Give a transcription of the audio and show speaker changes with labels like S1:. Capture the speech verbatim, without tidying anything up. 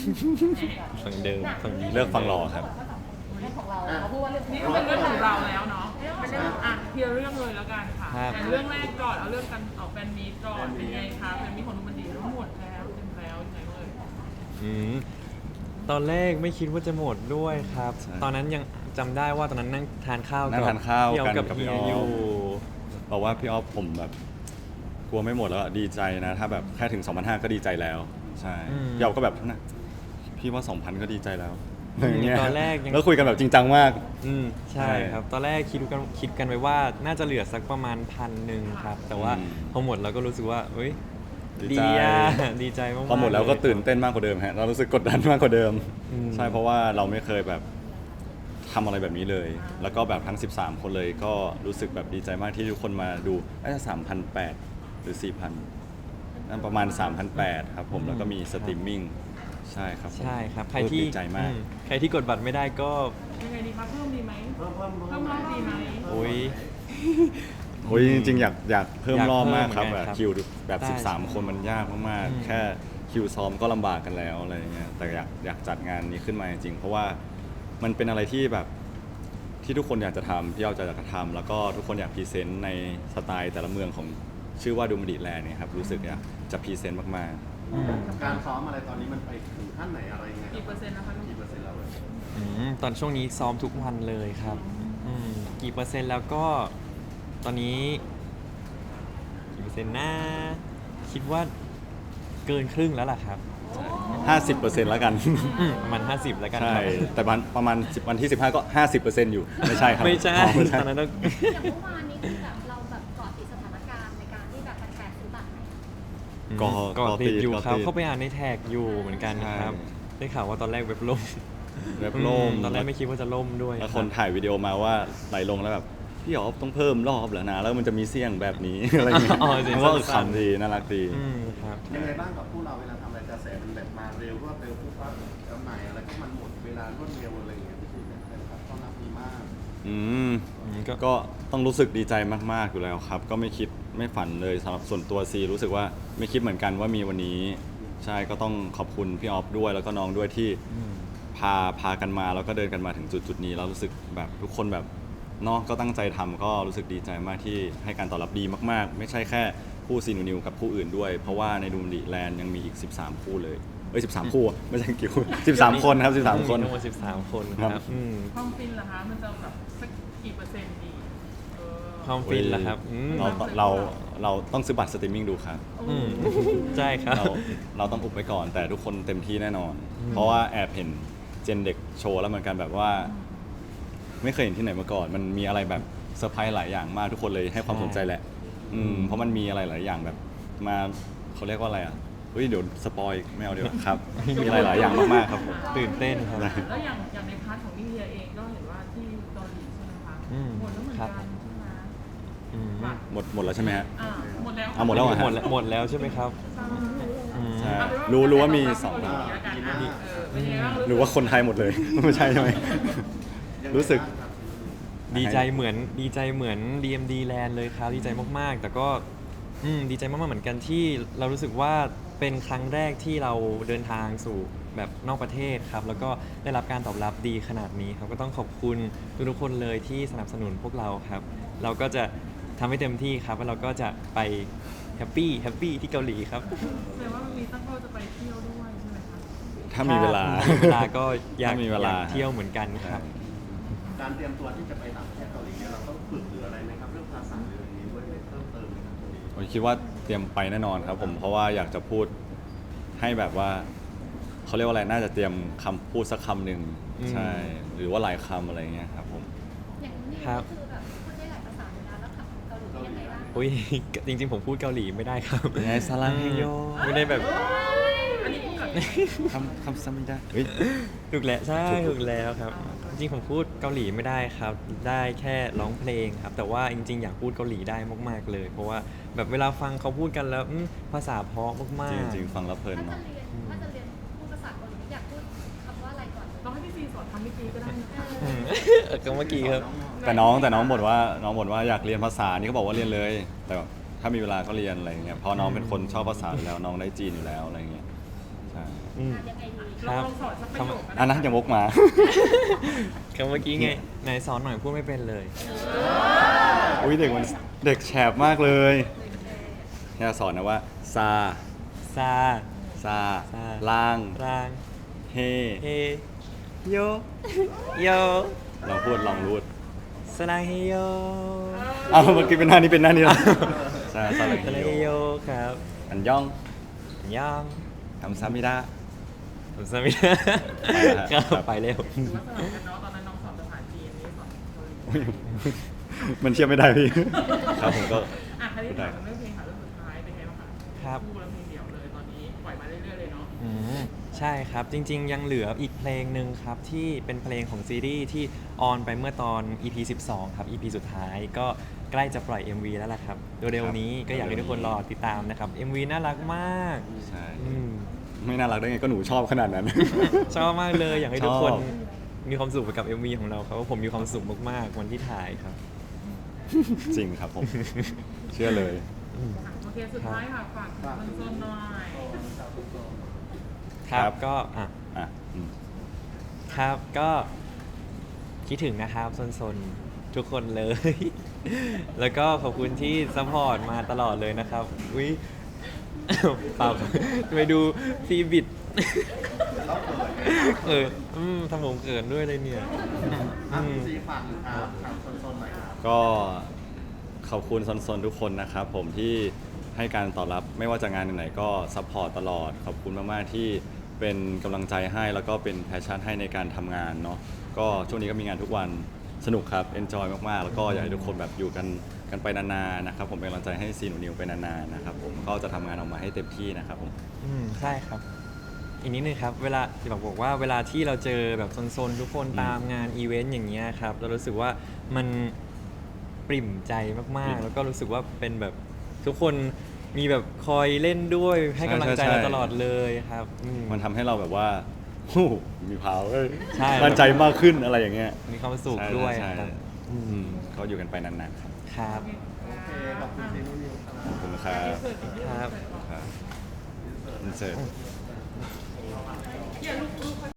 S1: ฝั่งเดิมฝั่งนี้
S2: เลือกฟังรอครับ
S3: เรื่องของเราเขาพูดว่าเรื่อง
S4: นี่ก็เป็นเรื่องของเราแล้วเนาะเป็นเรื่องอ่ะเคลียร์เรื่องเลยแล้วกันค่ะ
S1: ครับ
S4: แต่เรื่องแรกก่อนเอาเรื่องกันออกแฟนมีตก่อนเป็นไงคะแฟนมีตของนุมันดีทั้งหมดแล้วเต็มแล้วยังไงเอ่ย
S1: อืมตอนแรกไม่คิดว่าจะหมดด้วยครับ
S2: ใช่
S1: ตอนนั้นยังจำได้ว่าตอนนั้นนั่งทานข้าว
S2: นั่งทานข้าว
S1: พี่ออฟ
S2: กัน
S1: กับ
S2: กับพี่
S1: เฮีย
S2: ออฟ
S1: อยู่
S2: บอกว่าพี่ออฟผมแบบกลัวไม่หมดแล้วอะดีใจนะ ถ้าแบบแค่ถึง สองพันห้าร้อย ก็ดีใจแล้ว ใช่
S1: อืม
S2: พี่ออฟก็แบบนะพี่ว่า สองพัน ก็ดีใจแล้วอย่างเงี้ย
S1: ตอนแรกยัง
S2: แล้วคุยกันแบบจริงจังมาก
S1: อืมใช่
S2: ใช่
S1: ครับ ตอนแรกคิดกันคิดกันไว้ว่าน่าจะเหลือสักประมาณพันหนึ่งครับ แต่ว่า
S2: อืม
S1: พอหมดเราก็รู้สึกว่าเอ้ย
S2: ดี
S1: ดี
S2: ใจ
S1: อ่ะดีใจมากๆ
S2: พอหมดแล้วก็
S1: เย
S2: ตื่นเต้นมากกว่าเดิมฮะเรารู้สึกกดดันมากกว่าเดิม
S1: อืม
S2: ใช่เพราะว่าเราไม่เคยแบบทำอะไรแบบนี้เลย แล้วก็แบบทั้ง สิบสาม คนเลยก็รู้สึกแบบดีใจมากที่ทุกคนมาดูน่าจะ สามพันแปดร้อย หรือ สี่พัน นั่นประมาณ สามพันแปดร้อย ครับผมแล้วก็มีสตรีมมิ่งใช่ครับผม
S1: ใช่ครับ ใครที่
S2: ดีใจมาก
S1: อืใครที่กดบัตรไม่ได้ก็
S4: ยังไงดีคะเพิ่มดีไหมเพิ่มเพิ่มเพิ่มรอบดีไหม
S1: โอ้ย
S2: โอ้ยจริงๆ อยากอยากเพิ่ม
S1: อยาก
S2: รอบมาก
S1: เพิ่ม
S2: ครับ
S1: เหมื
S2: แบ
S1: อนกันครับ
S2: บคิวแบบ
S1: ได้
S2: สิบสาม คนมันยากมาก
S1: อืม
S2: ๆ แค่คิวซ้อมก็ลำบากกันแล้วอะไรอย่างเงี้ยแต่อยากอยากจัดงานนี้ขึ้นมาจริงๆ เพราะว่ามันเป็นอะไรที่แบบที่ทุกคนอยากจะทำพี่เอาจะอยากจะทำแล้วก็ทุกคนอยากพรีเซนต์ในสไตล์แต่ละเมืองของชื่อว่าดูมดิแลนด์เนี่ยครับรู้สึกอยากจะพรีเซนต์มาก
S1: อืม
S5: การซ้อมอะไรตอนนี้มันไปถึงขั้นไหนอะไรยังไง
S4: กี่เปอร์เซ็นต์นะคะลูก
S5: กี่เปอร์เซ็นต์แล้วเลย
S1: อืมตอนช่วงนี้ซ้อมทุกวันเลยครับอืมกี่เปอร์เซ็นต์แล้วก็ตอนนี้กี่เปอร์เซ็นต์นะคิดว่าเกินครึ่งแล้วล่ะครับ
S2: ๆ ห้าสิบเปอร์เซ็นต์ แล้วกัน
S1: อืมประมาณห้าสิบแล้วกัน
S2: ใช่
S1: ครับ
S2: แต่วันประมาณ10วันที่ สิบห้า ก็ ห้าสิบเปอร์เซ็นต์ อยู่ไม่ใช่ครับ
S1: ไม่ใช่
S2: อ๋อไม่ใช่
S1: ตอนนั้นต้อง
S3: อย่างเมื่อวานนี้คือแบบเราแบบเกาะติดสถานการณ์ในการที่แบบแฟนๆซื้อบัตรไหม
S2: ก็
S1: ก็ติดอยู่
S2: ก็
S1: ครับ
S2: ติด
S1: เข้าไปอ่านในแท็กอยู่เหมือนกันครับ
S2: ใช่
S1: ได้ข่าวว่าตอนแรกเว็บล่ม
S2: เว็บล่ม
S1: อืตอนแรกไม่คิดว่าจะล่มด้วย
S2: แล้ว
S1: รับ
S2: คนถ่ายวิดีโอมาว่าไหลลงแล้วแบบพี่อ๋อต้องเพิ่มรอบเหรอนะแล้วมันจะมีเสียงแบบนี้ อะไรอย่างเงี้ย
S1: อ๋อเสียง
S2: มันก็
S1: สั้นๆ
S2: ขำดีน่ารักดี
S1: อืมครับ
S5: ยังไงบ้างกับผู้เราเวลาทำอะไรกระแสมันแบบมาเร็วรวดเร็วปุ๊บปั๊บจำหน่ายอะไรก็มันหมดเวลารวดเร็วอะไรอย่างเงี้ยพี่ซีเนี่ยแฟนคลับต้อนรับดีมาก
S2: อืม
S1: อืมก็
S2: ก็ต้องรู้สึกดีใจมาก ๆ อยู่แล้วครับ ก็ไม่คิดไม่ฝันเลยสำหรับส่วนตัวซีรู้สึกว่าไม่คิดเหมือนกันว่ามีวันนี้ ใช่ก็ต้องขอบคุณพี่ออฟด้วยแล้วก็น้องด้วยที่
S1: อืม
S2: พาพากันมาแล้วก็เดินกันมาถึงจุดจุดนี้แล้วรู้สึกแบบทุกคนแบบเนาะก็ตั้งใจทำก็รู้สึกดีใจมากที่ให้การตอบรับดีมาก ๆ ไม่ใช่แค่คู่ซีนูนิวกับคู่อื่นด้วย เพราะว่าในดูมดิแลนด์ยังมีอีก สิบสาม คู่เลยเอ้ยสิบสาม คู่อะไม่ใช่กี่คู่สิบสาม คนครับสิบสาม คน
S1: ทั้งหมดสิบสามคนค
S2: ครั
S1: รับบ อืม
S4: ความฟินเหรอคะมันจะแบบสักกี่เปอร์เซ็นต์ดีเออ
S1: ความฟินล่ะครับอืม
S2: เราเราเราต้องซื้อบัตรสตรีมมิ่งดูครับ
S1: อืมใช่ครับ
S2: เราเราต้องอุบไว้ก่อนแต่ทุกคนเต็มที่แน่นอน เพราะว่าแอบเห็นเจนเด็กโชว์แล้วเหมือนกันแบบว่า ไม่เคยเห็นที่ไหนมาก่อน มันมีอะไรแบบเซอร์ไพรส์หลายอย่างมากทุกคนเลยให้ความ
S1: ใช่
S2: สนใจแหละ อืมเพราะมันมีอะไรหลายอย่างแบบมาเขาเรียกว่าอะไรอ่ะเฮ้ยเดี๋ยวสปอยไม่เอาเดี๋ยวาครับ มีอะไรหลายอย่างมากๆครับผม
S1: ตื่นเต้นครับ
S4: แล้วอย่างอย่างในพาร์ทของนิเทียเองก็เห็นว่าที่เกาหลีใช่ไหมคะ
S1: อืม
S4: หมดแล้วเหมือน
S1: ครั
S4: กับ นใช่ไหม
S1: อืม
S4: บัตร
S2: หมดหมดแล้วใช่ไหมฮะ
S4: อ่าหมดแล้ว
S2: อ่ะหมดแล้วเหรอฮะ
S1: หมดแล้วหมดแล้วใช่ไหมครับอืม
S2: ใช่
S4: เอาเป็น
S2: รู้รู้ว่ามีสอง
S4: เกาหลีแล้วกันนะเออเป็นยังไงบ้าง
S2: หรือว่าคนไทยหมดเลย ไม่ใช่ใช่ไหม
S5: ยังไง
S2: รู้สึก
S5: บ้างครับ
S1: ดีใจเหมือนดีใจเหมือน ดี เอ็ม ดี Land เลยครับดีใจมากๆ แต่ก็อืมดีใจมากๆเหมือนกันที่เรารู้สึกว่าเป็นครั้งแรกที่เราเดินทางสู่แบบนอกประเทศครับ แล้วก็ได้รับการตอบรับดีขนาดนี้ครับก็ต้องขอบคุณทุกๆคนเลยที่สนับสนุนพวกเราครับ เราก็จะทำให้เต็มที่ครับแล้วเราก็จะไปแฮปปี้แฮปปี้ที่เกาหลีครับ
S4: แสดงว่ามันมีตั้งเป้าจะไปเที่ยวด้วยใช่ไหมคะ
S2: ถ้ามีเวลา
S1: ถ้มีเวลาก็อยาก
S2: ถ้ามีเวลา
S1: อยากเที่ยวเหมือนกันครับ
S5: การเตรียมตัวที่จะไปต่างประเทศเกาหลีเนี่ยเราต้องฝึกหรืออะไรไหมครับเรื่องภาษาหรืออะไรนี้ด้วยเพิ่มเติมไหมครับตรงนี้
S2: ผมคิดว่าเตรียมไปแน่นอนครับผมเพราะว่าอยากจะพูดให้แบบว่าเขาเรียกว่าอะไรน่าจะเตรียมคำพูดสักคำหนึ่ง
S1: อืม
S2: ใช่หรือว่าหลายคำอะไรเงี้ยครับผม
S3: อย่างนี้
S1: ครับ
S3: คือแบบพูดได้หลายภาษาเลยนะแล้วขับเกาหลียังไงบ้าง
S1: อุ้ยจริงๆ ผมพูดเกาหลีไม่ได้ครับ
S2: ยังไงซาลังเฮโย
S1: ไม่ได้แบบ
S4: อันนี้พูดกับ
S2: คำคำซ้ำไม่ได้เฮ้ย
S1: ถูกแล้วใช่ถูกแล้วครับ จริงๆ ผมพูดเกาหลีไม่ได้ครับ ได้แค่ร้องเพลงครับ แต่ว่าจริงๆ อยากพูดเกาหลีได้มากๆเลย เพราะว่าแบบเวลาฟังเขาพูดกันแล้วอืมภาษาเพราะมาก
S2: จ
S1: ๆ
S2: ริงๆฟังแล้วเพลิน
S3: ถ้าจะ
S2: เนาะ
S3: เรียนถ้าจะเรียนพูดภาษาเกาหลีอยากพูดคำว่าอะไรก่อนเลย
S4: ลองให้พี่ซีสอนทำเมื่อกี้ก็ได้นะคะ
S1: อืมเออก็เมื่อกี้ครับ
S2: แต่น้องแต่น้องบ่นว่าน้องบ่นว่าอยากเรียนภาษานี่เขาบอกว่าเรียนเลย แต่ถ้ามีเวลาก็เรียนอะไรเงี้ยเพราะน้องเป็นคนชอบภาษาอยู่แล้วน้องได้จีนอยู่แล้วอะไรเงี้ยใช่ช่
S1: อืม
S3: งานยังไงดี
S1: ครั
S4: เรา
S1: บ
S4: ลองสอนสักประโยค
S2: อันนั้นยังวกมา
S1: คำเมื่อกี้ไงไหนสอนหน่อยพูดไม่เป็นเลย
S2: อุ้ยเด็กมันเด็กแฉบมากเลยเนี่ยสอนนะว่าซา
S1: ซา
S2: ซา
S1: ซา
S2: ล่าง
S1: ราง
S2: เฮ
S1: เฮโยโย
S2: ลองพูดลองรูด
S1: สลางเฮโย
S2: อ้าวเมื่อกี้เป็นหน้านี้เป็นหน้านี้แล้วใช่ซา
S1: ส
S2: ลา
S1: ลาง
S2: เฮ
S1: เฮ
S2: โย
S1: โยครับ
S2: อันย่อง
S1: ย่าง
S2: ทำซามิดะ
S1: ผมสามิก็ไปเร็ว
S4: หรือว่าสลับกันเนาะตอนนั้นน้องสอนภาษาจีนนี่สอนเกาหลี
S2: อุ๊ยมันเทียบไม่ได้พี่ ครับผมก็
S4: อ่ะคราวนี้ถามเรื่องเพลงค่ะเรื่องสุดท้ายเป็นไงบ้างคะ
S1: ครับ
S4: คู่แล้วเพลงเดี่ยวเลยตอนนี้ปล่อยมาเรื่อยๆเลยเนาะ
S1: อืมใช่ครับ จริง ๆ ยังเหลืออีกเพลงหนึ่งครับ ที่เป็นเพลงของซีรีส์ที่ออนไปเมื่อตอน อี พี สิบสอง ครับ อี พี สุดท้ายก็ใกล้จะปล่อย เอ็ม วี แล้วล่ะครับเร็วๆนี้ก็อยากให้ทุกคนรอติดตามนะครับ เอ็ม วี น่ารักมาก
S2: ใช่
S1: อืม
S2: ไม่น่ารักได้ไงก็หนูชอบขนาดนั้น
S1: ชอบมากเลย อยากให้ทุกคน
S2: ชอบ
S1: มีความสุขไปกับ เอ็ม วี ของเราครับผมมีความสุขมากๆวันที่ถ่ายครับ
S2: จริงครับผม เชื่อเลย
S4: โอเคสุดท้ายค่ะฝากถึงโซนๆหน่อย
S1: ครั
S2: ครับ บ
S1: ก็อ่ะ
S2: อ่ะอืม
S1: ครับก็คิดถึงนะครับซนๆทุกคนเลย แล้วก็ขอบคุณที่ซัพพอร์ตมาตลอดเลยนะครับอุ้ย เปล่าครับไปดูฟีบิด เอออืมทำผมเกินด้วยเลยเนี่ย
S5: อ่ะ
S1: อืม
S5: ซีฝากหนึ่งครับครับโซนๆหน่อยครับ
S2: ก็ขอบคุณซนๆทุกคนนะครับผมที่ให้การตอบรับไม่ว่าจะงานไหนๆก็ซัพพอร์ตตลอด ขอบคุณมากๆที่เป็นกำลังใจให้แล้วก็เป็นแพชชั่นให้ในการทำงานเนาะก็ช่วงนี้ก็มีงานทุกวันสนุกครับเอนจอยมากๆ แล้วก็อยากให้ทุกคนแบบอยู่กันกันไปนานๆนะครับผมเป็นกำลังใจให้ซีหนูนิวไปนานๆนะครับผมก็จะทำงานออกมาให้เต็มที่นะครับผม
S1: อืมใช่ครับ อีกนิดนึงครับ เวลาที่บอกบอกว่าเวลาที่เราเจอแบบโซนๆทุกคน
S2: อืม
S1: ตามงานอีเวนต์อย่างเงี้ยครับ เรารู้สึกว่ามันปริ่มใจมาก
S2: ปริ่
S1: ๆ
S2: ม
S1: แล้วก็รู้สึกว่าเป็นแบบทุกคนมีแบบคอยเล่นด้วยให้กำลังใจ
S2: ใช่
S1: เรา
S2: ใช่
S1: ตลอดเลยครับอืม
S2: มันทำให้เราแบบว่า ฮู้มีพาวเออ
S1: ใช่
S2: มั่นใจมากขึ้นอะไรอย่างเงี้ย
S1: มีความสุข
S2: ใช่
S1: ด้วย
S2: ใช่
S1: ครับ
S2: อืมก็อยู่กันไปนานๆครับ
S1: ครับ
S5: โอเค ขอบคุณซีนุ่นนิวครับ
S2: ขอบคุณครับ
S1: ครับ
S2: ครับอินเสิร์ต